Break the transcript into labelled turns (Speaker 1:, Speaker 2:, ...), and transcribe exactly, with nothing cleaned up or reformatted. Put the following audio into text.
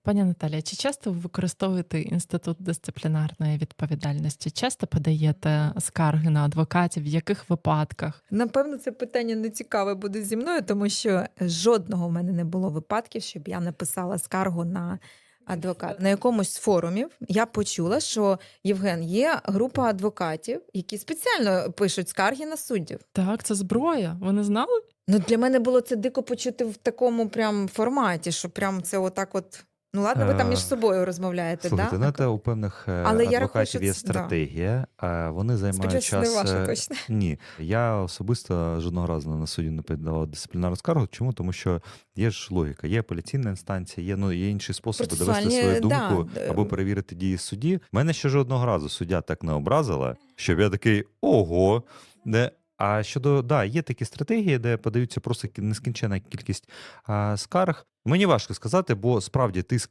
Speaker 1: Пані Наталія, чи часто ви використовуєте інститут дисциплінарної відповідальності? Часто подаєте скарги на адвокатів? В яких випадках?
Speaker 2: Напевно, це питання не цікаве буде зі мною, тому що жодного в мене не було випадків, щоб я написала скаргу на адвоката. На якомусь з форумів я почула, що Євген, є група адвокатів, які спеціально пишуть скарги на суддів.
Speaker 1: Так, це зброя. Ви не знали?
Speaker 2: Ну, для мене було це дико почути в такому прям форматі, що прям це отак от. Ну ладно, ви там між
Speaker 3: Е,
Speaker 2: собою розмовляєте,
Speaker 3: Слухайте,
Speaker 2: да?
Speaker 3: ну це у певних е,
Speaker 2: Але я рахую, що
Speaker 3: адвокатів є
Speaker 2: це- да.
Speaker 3: стратегія, а вони займають
Speaker 2: Сподіваюся, не
Speaker 3: час.
Speaker 2: ваша
Speaker 3: е,
Speaker 2: точно.
Speaker 3: Ні, я особисто жодного разу на суді не подавав дисциплінарну скаргу. Чому? Тому що є ж логіка, є апеляційна інстанція, є ну є інші способи довести
Speaker 2: Процесуальні,
Speaker 3: свою
Speaker 2: да,
Speaker 3: думку
Speaker 2: д-
Speaker 3: або перевірити дії судді. Мене ще жодного разу суддя так не образила, щоб я такий ого. Не. А щодо да, є такі стратегії, де подаються просто кі- нескінченна кількість а, скарг. Мені важко сказати, бо справді тиск